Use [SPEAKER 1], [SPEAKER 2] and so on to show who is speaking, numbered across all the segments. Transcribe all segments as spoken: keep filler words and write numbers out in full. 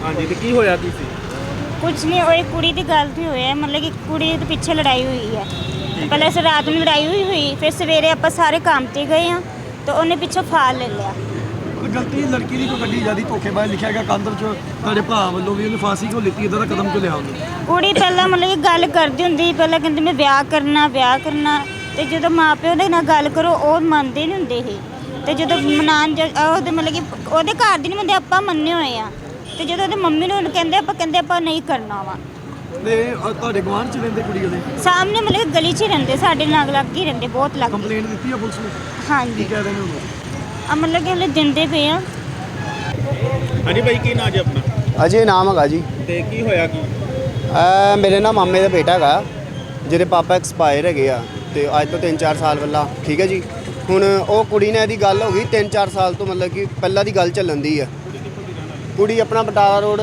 [SPEAKER 1] ਹਾਂਜੀ ਤੇ ਕੀ ਹੋਇਆ ਕੀ ਸੀ?
[SPEAKER 2] कुछ नहीं वो एक कुड़ी की गल ही हुई है, मतलब कि कुड़ी के पीछे लड़ाई हुई है। पहले से रात में लड़ाई हुई हुई फिर सवेरे आप सारे काम ते गए हैं तो उन्हें पिछों फाल ले लिया।
[SPEAKER 3] गलती लड़की की कोई गड्डी ज्यादा धोखेबाज लिखा गया कांदर च ਤੁਹਾਡੇ ਭਾ ਵੱਲੋਂ ਵੀ ਉਹਨੇ ਫਾਂਸੀ ਕਿਉਂ ਲਿੱਤੀ ਇਦਾਂ ਦਾ ਕਦਮ ਕਿਉਂ ਲਿਆ ਉਹਨੇ?
[SPEAKER 2] कुड़ी पहले मतलब कि गल करती हुंदी पहले कहंदी मैं ब्याह करना ब्याह करना ते ਜਦੋਂ ਮਾਂ ਪਿਓ ਦੇ ਨਾਲ ਗੱਲ ਕਰੋ ਉਹ ਮੰਨਦੇ ਨਹੀਂ ਹੁੰਦੇ ਸੀ ਤੇ ਜਦੋਂ ਮਨਾਨ ਉਹਦੇ ਮਤਲਬ ਕਿ ਉਹਦੇ ਘਰ ਦੀ ਨਹੀਂ ਮੰਨਦੇ ਆਪਾਂ ਮੰਨੇ ਹੋਏ ਆ ਤੇ ਜਦੋਂ ਉਹਦੇ ਮੰਮੀ ਨੂੰ ਕਹਿੰਦੇ ਆਪਾਂ ਕਹਿੰਦੇ ਆਪਾਂ ਨਹੀਂ ਕਰਨਾ ਵਾ।
[SPEAKER 3] ਤੇ ਤੁਹਾਡੇ ਗਵਾਂਢ ਚ ਰਹਿੰਦੇ ਕੁੜੀ ਉਹਦੇ
[SPEAKER 2] ਸਾਹਮਣੇ ਮਤਲਬ ਕਿ ਗਲੀ 'ਚ ਹੀ ਰਹਿੰਦੇ ਸਾਡੇ ਨਾਲ ਲੱਗ ਹੀ ਰਹਿੰਦੇ ਬਹੁਤ ਲੱਗ।
[SPEAKER 3] ਕੰਪਲੇਂਟ ਦਿੱਤੀ ਆ ਪੁਲਿਸ ਨੂੰ?
[SPEAKER 2] ਹਾਂਜੀ
[SPEAKER 3] ਕੀ ਕਹਿ ਰਹੇ ਨੇ ਉਹ?
[SPEAKER 2] ਆ ਮਤਲਬ ਕਿ ਹਲੇ ਦਿੰਦੇ ਪਏ ਆ।
[SPEAKER 1] ਹਾਂਜੀ ਭਾਈ ਕੀ ਨਾਂ ਜੀ ਆਪਣਾ?
[SPEAKER 4] ਅਜੇ ਨਾਮ ਹੈਗਾ ਜੀ।
[SPEAKER 1] ਤੇ ਕੀ ਹੋਇਆ ਕੀ?
[SPEAKER 4] ਇਹ ਮੇਰੇ ਨਾ ਮਾਮੇ ਦਾ ਬੇਟਾ ਹੈਗਾ ਜਿਹਦੇ ਪਾਪਾ ਐਕਸਪਾਇਰ ਹੈਗੇ ਆ ਤੇ ਅੱਜ ਤੋਂ ਤਿੰਨ ਚਾਰ ਸਾਲ ਪਹਿਲਾਂ, ਠੀਕ ਹੈ ਜੀ। ਹੁਣ ਉਹ ਕੁੜੀ ਨਾਲ ਇਹਦੀ ਗੱਲ ਹੋ ਗਈ ਤਿੰਨ ਚਾਰ ਸਾਲ ਤੋਂ, ਮਤਲਬ ਕਿ ਪਹਿਲਾਂ ਦੀ ਗੱਲ ਚੱਲਣ ਦੀ ਆ। ਕੁੜੀ ਆਪਣਾ ਬਟਾਲਾ ਰੋਡ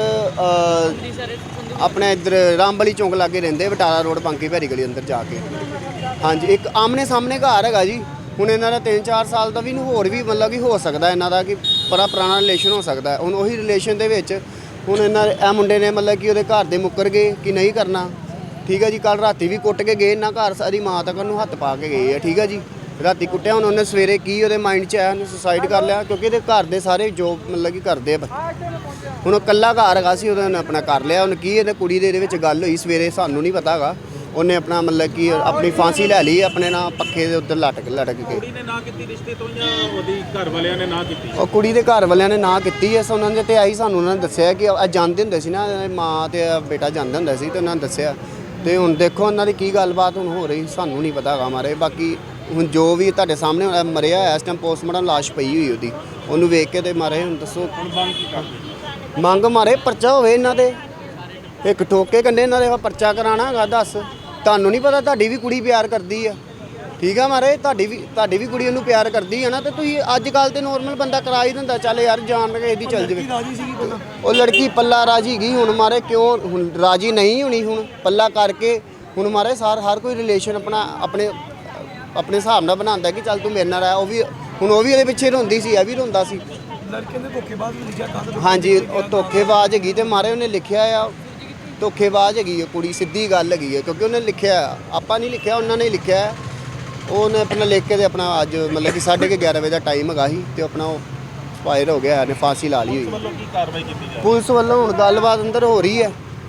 [SPEAKER 4] ਆਪਣੇ ਇੱਧਰ ਰਾਮਬਲੀ ਚੌਂਕ ਲਾਗੇ ਰਹਿੰਦੇ, ਬਟਾਲਾ ਰੋਡ ਪੰਕੀ ਭੈਰੀ ਗਲੀ ਅੰਦਰ ਜਾ ਕੇ। ਹਾਂਜੀ ਇੱਕ ਆਮਨੇ ਸਾਹਮਣੇ ਘਰ ਹੈਗਾ ਜੀ। ਹੁਣ ਇਹਨਾਂ ਦਾ ਤਿੰਨ ਚਾਰ ਸਾਲ ਦਾ ਵੀ ਨੂੰ ਹੋਰ ਵੀ ਮਤਲਬ ਕਿ ਹੋ ਸਕਦਾ ਇਹਨਾਂ ਦਾ ਕਿ ਬੜਾ ਪੁਰਾਣਾ ਰਿਲੇਸ਼ਨ ਹੋ ਸਕਦਾ। ਹੁਣ ਉਹੀ ਰਿਲੇਸ਼ਨ ਦੇ ਵਿੱਚ ਹੁਣ ਇਹਨਾਂ ਇਹ ਮੁੰਡੇ ਨੇ ਮਤਲਬ ਕਿ ਉਹਦੇ ਘਰ ਦੇ ਮੁੱਕਰ ਗਏ ਕਿ ਨਹੀਂ ਕਰਨਾ, ਠੀਕ ਹੈ ਜੀ। ਕੱਲ ਰਾਤੀ ਵੀ ਕੁੱਟ ਕੇ ਗਏ ਇਹਨਾਂ ਘਰ, ਸਾਰੀ ਮਾਂ ਤੱਕ ਉਹਨੂੰ ਹੱਥ ਪਾ ਕੇ ਗਏ ਆ, ਠੀਕ ਹੈ ਜੀ। ਰਾਤੀ ਕੁੱਟਿਆ, ਹੁਣ ਉਹਨੇ ਸਵੇਰੇ ਕੀ ਉਹਦੇ ਮਾਈਂਡ 'ਚ ਆਇਆ ਉਹਨੇ ਸੁਸਾਈਡ ਕਰ ਲਿਆ ਕਿਉਂਕਿ ਇਹਦੇ ਘਰ ਦੇ ਸਾਰੇ ਜੋਬ ਮਤਲਬ ਕਿ ਕਰਦੇ ਆ। ਹੁਣ ਉਹ ਇਕੱਲਾ ਘਰ ਹੈਗਾ ਸੀ, ਉਹਨੇ ਆਪਣਾ ਕਰ ਲਿਆ। ਹੁਣ ਕੀ ਇਹਦੇ ਕੁੜੀ ਦੇ ਇਹਦੇ ਵਿੱਚ ਗੱਲ ਹੋਈ ਸਵੇਰੇ ਸਾਨੂੰ ਨਹੀਂ ਪਤਾ ਹੈਗਾ। ਉਹਨੇ ਆਪਣਾ ਮਤਲਬ ਕਿ ਆਪਣੀ ਫਾਂਸੀ ਲੈ ਲਈ ਆਪਣੇ ਨਾਲ ਪੱਖੇ ਦੇ ਉੱਤੇ ਲਟਕ ਲਟਕ ਕੇ।
[SPEAKER 1] ਕੁੜੀ ਨੇ ਨਾ ਕੀਤੀ ਰਿਸ਼ਤੇ ਤੋਂ ਜਾਂ ਉਹਦੀ ਘਰ ਵਾਲਿਆਂ ਨੇ ਨਾ ਕੀਤੀ?
[SPEAKER 4] ਉਹ ਕੁੜੀ ਦੇ ਘਰ ਵਾਲਿਆਂ ਨੇ ਨਾ ਕੀਤੀ ਐ। ਉਹਨਾਂ ਦੇ ਤੇ ਆਈ ਸਾਨੂੰ ਉਹਨਾਂ ਨੇ ਦੱਸਿਆ ਕਿ ਇਹ ਜਾਂਦੇ ਹੁੰਦੇ ਸੀ ਨਾ, ਮਾਂ ਤੇ ਬੇਟਾ ਜਾਂਦੇ ਹੁੰਦੇ ਸੀ ਤੇ ਉਹਨਾਂ ਨੇ ਦੱਸਿਆ। ਤੇ ਹੁਣ ਦੇਖੋ ਉਹਨਾਂ ਦੀ ਕੀ ਗੱਲਬਾਤ ਹੁਣ ਹੋ ਰਹੀ ਸਾਨੂੰ ਨਹੀਂ ਪਤਾ ਹੈਗਾ ਮਾਰੇ। ਬਾਕੀ ਹੁਣ ਜੋ ਵੀ ਤੁਹਾਡੇ ਸਾਹਮਣੇ ਮਰਿਆ ਹੋਇਆ ਇਸ ਟਾਈਮ ਪੋਸਟਮਾਰਟਮ ਲਾਸ਼ ਪਈ ਹੋਈ ਉਹਦੀ, ਉਹਨੂੰ ਵੇਖ ਕੇ ਤੇ ਮਾਰੇ। ਹੁਣ ਦੱਸੋ
[SPEAKER 1] ਹੁਣ ਮੰਗ ਕੀ ਕਰਦੇ?
[SPEAKER 4] ਮੰਗ ਮਾਰੇ ਪਰਚਾ ਹੋਵੇ ਇਹਨਾਂ ਦੇ, ਇੱਕ ਠੋਕੇ ਕੰਡੇ ਇਹਨਾਂ ਦੇ ਪਰਚਾ ਕਰਾਉਣਾ ਹੈਗਾ। ਦੱਸ ਤੁਹਾਨੂੰ ਨਹੀਂ ਪਤਾ ਤੁਹਾਡੀ ਵੀ ਕੁੜੀ ਪਿਆਰ ਕਰਦੀ ਆ, ਠੀਕ ਆ ਮਾਰੇ। ਤੁਹਾਡੀ ਵੀ ਤੁਹਾਡੀ ਵੀ ਕੁੜੀ ਉਹਨੂੰ ਪਿਆਰ ਕਰਦੀ ਆ ਨਾ, ਤੇ ਤੁਸੀਂ ਅੱਜ ਕੱਲ੍ਹ ਤੇ ਨੋਰਮਲ ਬੰਦਾ ਕਰਾ ਹੀ ਦਿੰਦਾ ਚੱਲ ਯਾਰ ਜਾਣ ਕੇ ਇਹਦੀ ਚੱਲ ਜਾਵੇ। ਉਹ ਲੜਕੀ ਪੱਲਾ ਰਾਜੀ ਗਈ ਹੁਣ ਮਾਰੇ, ਕਿਉਂ ਹੁਣ ਰਾਜੀ ਨਹੀਂ ਹੋਣੀ? ਹੁਣ ਪੱਲਾ ਕਰਕੇ ਹੁਣ ਮਾਰੇ ਸਾਰ ਹਰ ਕੋਈ ਰਿਲੇਸ਼ਨ ਆਪਣਾ ਆਪਣੇ ਆਪਣੇ ਹਿਸਾਬ ਨਾਲ ਬਣਾਉਂਦਾ ਕਿ ਚੱਲ ਤੂੰ ਮੇਰੇ ਨਾਲ ਆ। ਉਹ ਵੀ ਹੁਣ ਉਹ ਵੀ ਇਹਦੇ ਪਿੱਛੇ ਰੋਂਦੀ ਸੀ, ਇਹ ਵੀ ਰੋਂਦਾ ਸੀ।
[SPEAKER 3] ਲੜਕੇ ਨੇ ਧੋਖੇਬਾਜ਼ ਵੀ ਲਿਖਿਆ ਕਾਂਦਰ।
[SPEAKER 4] ਹਾਂਜੀ ਉਹ ਧੋਖੇਬਾਜ਼ ਹੈਗੀ ਤੇ ਮਾਰੇ ਉਹਨੇ ਲਿਖਿਆ ਆ ਧੋਖੇਬਾਜ਼ ਹੈਗੀ ਹੈ ਕੁੜੀ, ਸਿੱਧੀ ਗੱਲ ਹੈਗੀ ਹੈ ਕਿਉਂਕਿ ਉਹਨੇ ਲਿਖਿਆ, ਆਪਾਂ ਨਹੀਂ ਲਿਖਿਆ, ਉਹਨਾਂ ਨੇ ਲਿਖਿਆ। ਉਹਨੇ ਆਪਣਾ ਲਿਖ ਕੇ ਤੇ ਆਪਣਾ ਅੱਜ ਮਤਲਬ ਕਿ ਸਾਢੇ ਕੁ ਗਿਆਰਾਂ ਵਜੇ ਦਾ ਟਾਈਮ ਹੈਗਾ ਸੀ ਤੇ ਆਪਣਾ ਉਹ ਫਾਇਰ ਹੋ ਗਿਆ, ਇਹਨੇ ਫਾਂਸੀ ਲਾ ਲਈ ਹੋਈ।
[SPEAKER 1] ਵੱਲੋਂ ਕੀ ਕਾਰਵਾਈ ਕੀਤੀ ਜਾ ਰਹੀ?
[SPEAKER 4] ਪੁਲਿਸ ਵੱਲੋਂ ਹੁਣ ਗੱਲਬਾਤ ਅੰਦਰ ਹੋ ਰਹੀ ਹੈ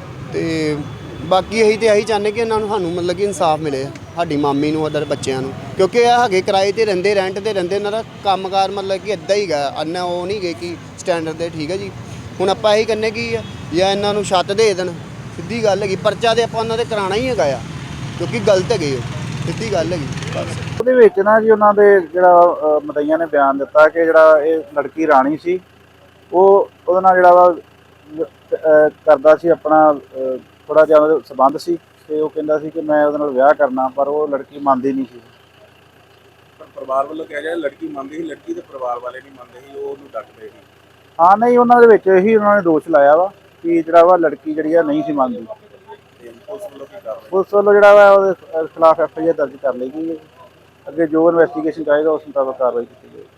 [SPEAKER 4] ਤੇ ਬਾਕੀ ਇਹੀ ਤੇ ਇਹੀ ਚਾਹੁੰਦੇ ਕਿ ਇਹਨਾਂ ਨੂੰ ਸਾਨੂੰ ਮਤਲਬ ਕਿ ਇਨਸਾਫ ਮਿਲੇ, ਸਾਡੀ ਮਾਮੀ ਨੂੰ, ਅਦਰ ਬੱਚਿਆਂ ਨੂੰ, ਕਿਉਂਕਿ ਇਹ ਹੈਗੇ ਕਿਰਾਏ ਤੇ ਰਹਿੰਦੇ, ਰੈਂਟ ਤੇ ਰਹਿੰਦੇ। ਇਹਨਾਂ ਦਾ ਕੰਮਕਾਰ ਮਤਲਬ ਕਿ ਇੱਦਾਂ ਹੀ ਗਾ, ਅੰਨਾ ਉਹ ਨਹੀਂ ਗਏ ਕਿ ਸਟੈਂਡਰਡ ਦੇ, ਠੀਕ ਹੈ ਜੀ। ਹੁਣ ਆਪਾਂ ਇਹੀ ਕਹਿੰਦੇ ਕਿ ਜਾਂ ਇਹਨਾਂ ਨੂੰ ਛੱਤ ਦੇ ਦੇਣ, ਸਿੱਧੀ ਗੱਲ ਹੈਗੀ। ਪਰਚਾ ਤੇ ਆਪਾਂ ਉਹਨਾਂ ਦੇ ਕਰਾਉਣਾ ਹੀ ਹੈਗਾ ਆ ਕਿਉਂਕਿ ਗਲਤ ਹੈਗੇ ਉਹ, ਸਿੱਧੀ ਗੱਲ ਹੈਗੀ ਬਸ।
[SPEAKER 5] ਉਹਦੇ ਵਿੱਚ ਨਾ ਜੀ ਉਹਨਾਂ ਦੇ ਜਿਹੜਾ ਮਦਈਆਂ ਨੇ ਬਿਆਨ ਦਿੱਤਾ ਕਿ ਜਿਹੜਾ ਇਹ ਲੜਕੀ ਰਾਣੀ ਸੀ ਉਹ ਉਹਦੇ ਨਾਲ ਜਿਹੜਾ ਵਾ ਕਰਦਾ ਸੀ ਆਪਣਾ ਥੋੜ੍ਹਾ ਜਿਹਾ ਉਹਦੇ ਸੰਬੰਧ ਸੀ ਤੇ ਉਹ ਕਹਿੰਦਾ ਸੀ ਕਿ ਮੈਂ ਉਹਦੇ ਨਾਲ ਵਿਆਹ ਕਰਨਾ, ਪਰ ਉਹ ਲੜਕੀ ਮੰਨਦੀ ਨਹੀਂ ਸੀ।
[SPEAKER 1] ਪਰ ਪਰਿਵਾਰ ਵੱਲੋਂ ਕਿਹਾ ਗਿਆ ਲੜਕੀ ਮੰਨਦੀ ਸੀ, ਲੜਕੀ ਦੇ ਪਰਿਵਾਰ ਵਾਲੇ ਨਹੀਂ ਮੰਨਦੇ ਸੀ, ਉਹ ਉਹਨੂੰ ਡੱਕਦੇ ਸੀ।
[SPEAKER 5] ਹਾਂ ਨਹੀਂ, ਉਹਨਾਂ ਦੇ ਵਿੱਚ ਇਹੀ ਉਹਨਾਂ ਨੇ ਦੋਸ਼ ਲਾਇਆ ਵਾ ਕਿ ਜਿਹੜਾ ਵਾ ਲੜਕੀ ਜਿਹੜੀ ਆ ਨਹੀਂ ਸੀ ਮੰਨਦੀ।
[SPEAKER 1] ਪੁਲਿਸ ਵੱਲੋਂ ਕੀ ਕਾਰਵਾਈ?
[SPEAKER 5] ਪੁਲਿਸ ਵੱਲੋਂ ਜਿਹੜਾ ਵਾ ਉਹਦੇ ਖਿਲਾਫ ਐਫ ਆਈ ਆਰ ਦਰਜ ਕਰ ਲਈ ਗਈ ਹੈ। ਅੱਗੇ ਜੋ ਇਨਵੈਸਟੀਗੇਸ਼ਨ ਚਾਹੀਦਾ ਉਸ ਮੁਤਾਬਕ ਕਾਰਵਾਈ ਕੀਤੀ ਜਾਏਗੀ।